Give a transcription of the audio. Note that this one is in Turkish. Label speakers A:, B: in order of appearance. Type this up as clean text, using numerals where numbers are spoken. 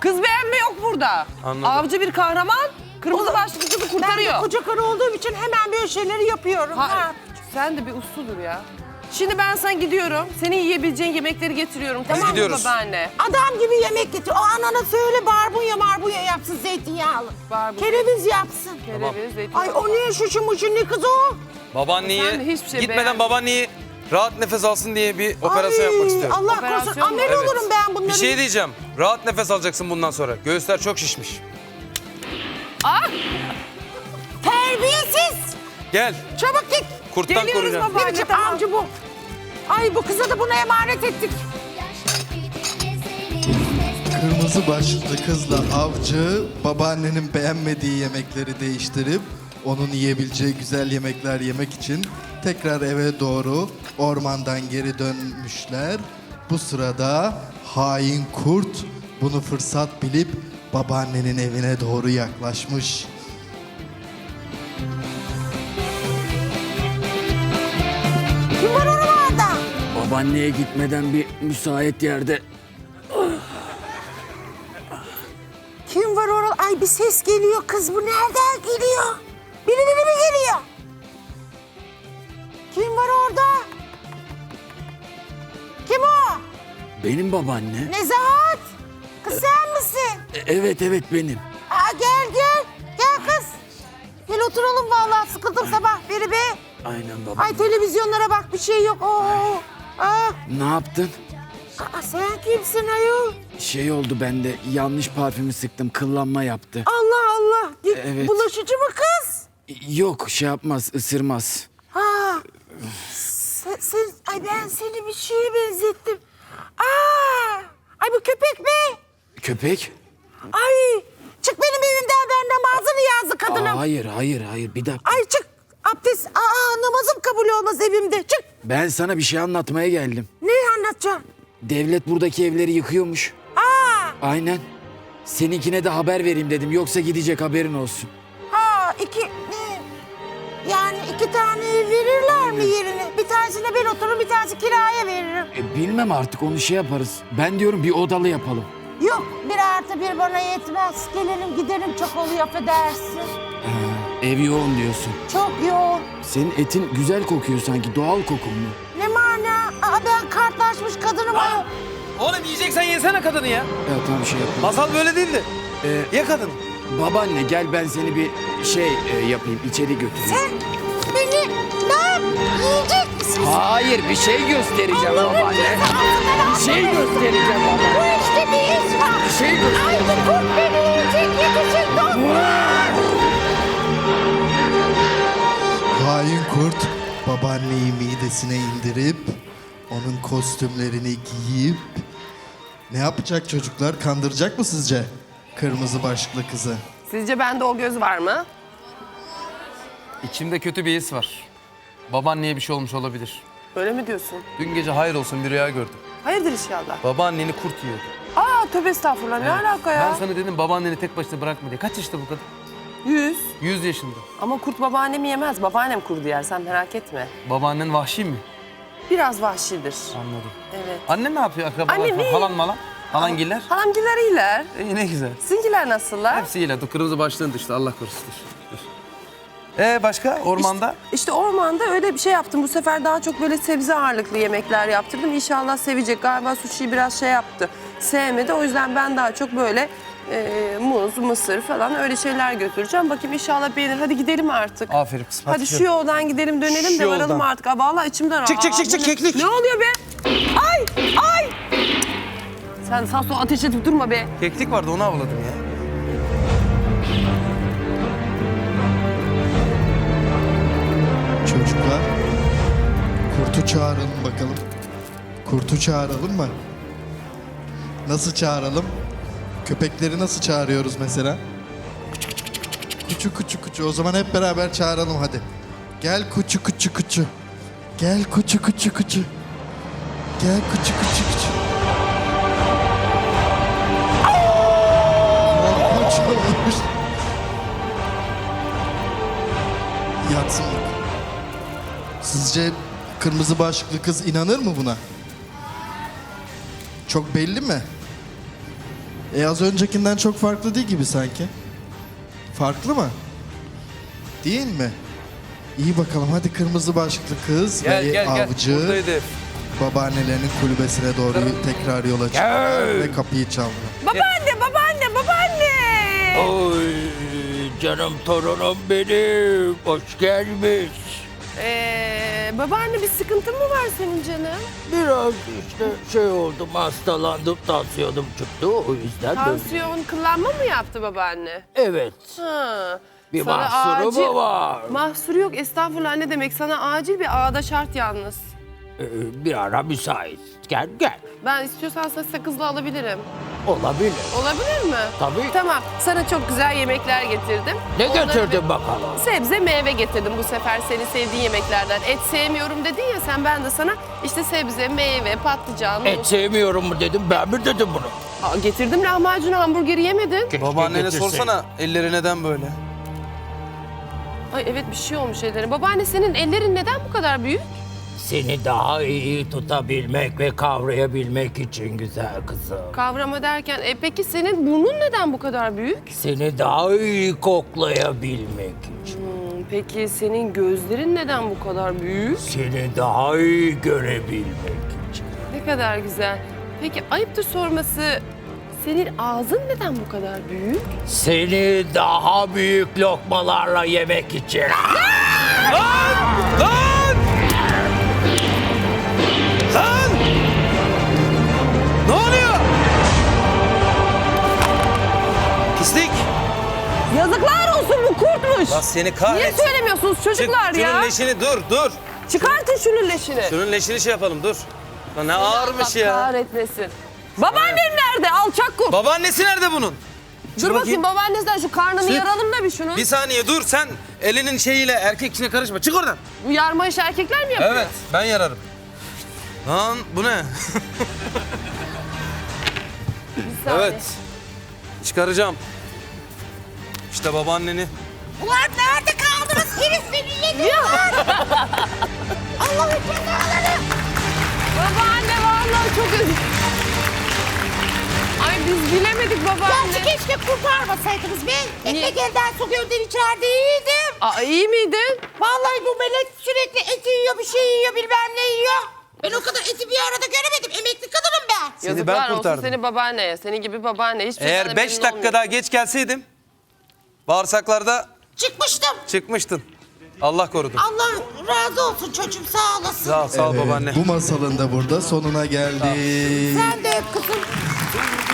A: Kız beğenme yok burada.
B: Anladım.
A: Avcı bir kahraman, kırmızı başlıklı kızı kurtarıyor.
C: Ben koca karı olduğum için hemen böyle şeyleri yapıyorum. Ha.
A: Sen de bir usludur ya. Şimdi ben sana gidiyorum. Senin yiyebileceğin yemekleri getiriyorum. Tamam mı
B: gidiyoruz.
A: babaanne?
C: Adam gibi yemek getir. O anana söyle barbunya yapsın zeytinyağlı.
A: Barbunya.
C: Kereviz yapsın.
A: Kereviz, zeytinyağı.
C: Ay o ne şuşu ne kız o?
B: Babaanneyi,
A: Sen de hiçbir şey
B: gitmeden
A: beğenmedin.
B: babaanneyi rahat nefes alsın diye bir operasyon
C: Ay,
B: yapmak istiyorum.
C: Allah
A: Operasyon
C: korusun
A: mu?
C: amel
B: Evet.
C: olurum ben bunları.
B: Bir şey diyeceğim. Rahat nefes alacaksın bundan sonra. Göğüsler çok şişmiş.
C: Terbiyesiz.
B: Gel.
C: Çabuk git.
B: Kurttan
A: Geliyoruz
B: koruyacağım.
A: baba.
C: Ne biçim
A: tamam.
C: avcı bu? Ay bu kıza da buna emanet ettik.
D: Kırmızı başlıklı kızla avcı babaannenin beğenmediği yemekleri değiştirip onun yiyebileceği güzel yemekler yemek için tekrar eve doğru ormandan geri dönmüşler. Bu sırada hain kurt bunu fırsat bilip babaannenin evine doğru yaklaşmış.
C: Kim var oralarda?
E: Babaanneye gitmeden bir müsait yerde
C: Kim var orada? Ay bir ses geliyor kız bu nereden geliyor? Birileri mi geliyor? Kim var orada? Kim o?
E: benim babaanne.
C: Nezahat. Kız sen misin?
E: Evet benim.
C: Aa, gel. Gel kız. Gel oturalım vallahi sıkıldım sabah beri be.
E: Aynen baba.
C: Ay televizyonlara bak bir şey yok. Oo. Aa,
E: Ne yaptın?
C: sen kimsin ayol?
E: Şey oldu bende yanlış parfümü sıktım kıllanma yaptı.
C: Allah.
E: Evet.
C: Bulaşıcı mı kız?
E: Yok şey yapmaz ısırmaz.
C: Ha. Ay ben seni bir şeye benzettim. Aa. Ay bu köpek mi?
E: Köpek?
C: Ay. Çık benim evimden ben namazını yazdı kadınım.
E: Hayır bir dakika.
C: Ay çık. Abdest. Namazım kabul olmaz evimde. Çık.
E: Ben sana bir şey anlatmaya geldim.
C: Ne anlatacağım?
E: Devlet buradaki evleri yıkıyormuş. Aynen. Seninkine de haber vereyim dedim yoksa gidecek haberin olsun.
C: Yani iki tane ev verirler mi yerine? Bir tanesine ben otururum, bir tanesi kiraya veririm.
E: Bilmem artık onu şey yaparız. Ben diyorum bir odalı yapalım.
C: Yok, 1+1 bana yetmez. Gelelim gidelim çok oluyor affedersin.
E: Ev yoğun diyorsun.
C: Çok yoğun.
E: Senin etin güzel kokuyor sanki doğal kokun mu?
C: Ne mana? Ben kartlaşmış kadınım ayol.
B: Oğlum yiyeceksen yesene kadını ya.
E: Evet tamam şey yapalım.
B: Masal böyle değildi. Ye kadını.
E: Babaanne gel ben seni bir şey yapayım içeri götüreyim.
C: Sen beni ne yap? Yiyecek misin?
E: Hayır bir şey göstereceğim babaanne. Bir şey göstereceğim
C: Bu
E: babaanne.
C: işte bir iz var.
E: Bir şey göstereceğim.
C: Ay bu kurt beni yiyecek yetişin dostlar.
D: Hain kurt babaanneyi midesine indirip onun kostümlerini giyip ne yapacak çocuklar? Kandıracak mı sizce kırmızı başlıklı kızı?
A: Sizce bende o göz var mı?
B: İçimde kötü bir his var. Babaanneye bir şey olmuş olabilir.
A: Öyle mi diyorsun?
B: Dün gece hayır olsun bir rüya gördüm.
A: Hayırdır inşallah.
B: Babaanneni kurt yiyordu.
A: Tövbe estağfurullah ne alaka ya?
B: Ben sana dedim babaanneni tek başına bırakma diye. Kaç yaşında bu kadın?
A: 100.
B: 100 yaşında.
A: Ama kurt babaannemi yemez. Babaannem kurdu yer sen merak etme.
B: Babaannen vahşi mi?
A: Biraz vahşidir.
B: Anladım.
A: Evet.
B: Annen ne yapıyor akrabalar
A: Annem
B: falan?
A: iyi.
B: Halan malan? Halangiller?
A: Halamgiler iyiler.
B: İyi ne güzel.
A: Sizinkiler nasıllar?
B: Hepsi iyiler. Dur kırmızı başlığın düştü. Allah korusun. Dur. Başka? Ormanda?
A: İşte ormanda öyle bir şey yaptım. Bu sefer daha çok böyle sebze ağırlıklı yemekler yaptırdım. İnşallah sevecek. Galiba sushi'yi biraz şey yaptı. Sevmedi. O yüzden ben daha çok böyle muz, mısır falan öyle şeyler götüreceğim. Bakayım inşallah beğenir. Hadi gidelim artık.
B: Aferin kızım.
A: Hadi şu yoldan gidelim dönelim de
B: Şu
A: varalım
B: yoldan.
A: artık. Vallahi içimden
B: Çık, çık, çık, çık,
A: bu ne-
B: keklik.
A: Ne oluyor be? Ay! Sen sağ sol ateş edip durma be.
B: Keklik vardı onu avladım ya.
D: Çocuklar, kurtu çağıralım bakalım. Kurtu çağıralım mı? Nasıl çağıralım? Köpekleri nasıl çağırıyoruz mesela? Kuçu kuçu kuçu. O zaman hep beraber çağıralım hadi. Gel kuçu kuçu kuçu. Gel kuçu kuçu kuçu. Gel kuçu kuçu kuçu. Korkunç olmuş. Yatsın bak. Sizce kırmızı başlıklı kız inanır mı buna? Çok belli mi? Az öncekinden çok farklı değil gibi sanki. Farklı mı? Değil mi? İyi bakalım hadi kırmızı başlıklı kız
B: Gel
D: ve
B: gel gel.
D: avcı
B: Buradaydı.
D: babaannelerinin kulübesine doğru tekrar yola çıktılar ve kapıyı çaldılar.
A: Babaanne, babaanne, babaanne.
E: Oy canım torunum benim. Hoş gelmiş.
A: Babaanne bir sıkıntın mı var senin canım?
E: Biraz işte şey oldum, hastalandım, tansiyonum çıktı. O yüzden böyle.
A: Tansiyon kıllanma mı yaptı babaanne?
E: Evet.
A: Ha.
E: Bir
A: Sana
E: mahsuru mu var?
A: Mahsuru yok, estağfurullah, ne demek, sana acil bir ağda şart yalnız.
E: Bir ara müsait. Gel gel.
A: Ben istiyorsan sana sakızla alabilirim.
E: Olabilir.
A: Olabilir mi?
E: Tabii.
A: Tamam, sana çok güzel yemekler getirdim.
E: Ne
A: Onları
E: getirdin
A: bir-
E: bakalım?
A: Sebze meyve getirdim bu sefer, senin sevdiğin yemeklerden. Et sevmiyorum dedin ya sen, ben de sana işte sebze, meyve, patlıcan...
E: Et sevmiyorum mu dedim, ben mi dedim bunu?
A: Getirdim lahmacun, hamburgeri yemedin.
B: Babaannene
E: getirseydin.
B: sorsana elleri neden böyle?
A: Ay evet, bir şey olmuş ellerine. Babaanne, senin ellerin neden bu kadar büyük?
E: Seni daha iyi tutabilmek ve kavrayabilmek için güzel kızım.
A: Kavrama derken, peki senin burnun neden bu kadar büyük?
E: Seni daha iyi koklayabilmek için.
A: Peki senin gözlerin neden bu kadar büyük?
E: Seni daha iyi görebilmek için.
A: Ne kadar güzel. Peki ayıptır sorması, senin ağzın neden bu kadar büyük?
E: Seni daha büyük lokmalarla yemek için.
B: Lan! Ne oluyor? Pislik!
A: Yazıklar olsun, bu kurtmuş.
B: Lan seni
A: Niye
B: kahretsin.
A: söylemiyorsunuz çocuklar ya?
B: Şunun leşini dur.
A: Çıkartın şunun leşini.
B: Şunun leşini şey yapalım dur. Lan ne ağırmış
A: Allah
B: ya.
A: kahretmesin. Babaannem nerede? Alçak kurt.
B: Babaannesi nerede bunun?
A: Dur bakayım babaannesinden şu karnını
B: Çık.
A: yaralım da bir şunun.
B: Bir saniye dur sen elinin şeyiyle erkek işine karışma. Çık oradan.
A: Bu yarma işi erkekler mi yapıyor?
B: Evet ben yararım. Lan bu ne?
A: Bir saniye.
B: Evet. Çıkaracağım. İşte babaanneni.
C: Ulan nerede kaldınız? Herif beni yedi. Allah'ın cezaları.
A: Babaanne vallahi çok özür. Ay biz bilemedik babaanne.
C: Gerçi keşke kurtarmasaydınız be. Ekmek elden su gölden içeride iyiydim.
A: İyi miydin?
C: Vallahi bu melek sürekli et yiyor, bir şey yiyor, bilmem ne yiyor. Ben o kadar eti bir arada göremedim. Emekli kadınım ben.
B: Seni
A: Yazıklar
B: ben
A: olsun
B: kurtardım.
A: seni babaanneye. Senin gibi babaanne. Hiçbir
B: Eğer
A: şeyden
B: 5
A: memnun
B: dakika
A: olmuyor.
B: daha geç gelseydim bağırsaklarda
C: Çıkmıştım.
B: çıkmıştın. Allah korudu.
C: Allah razı olsun çocuğum, sağ olasın.
B: Sağ ol
D: Evet,
B: babaanne.
D: bu masalın da burada sonuna geldik.
C: Sen de öp kızım.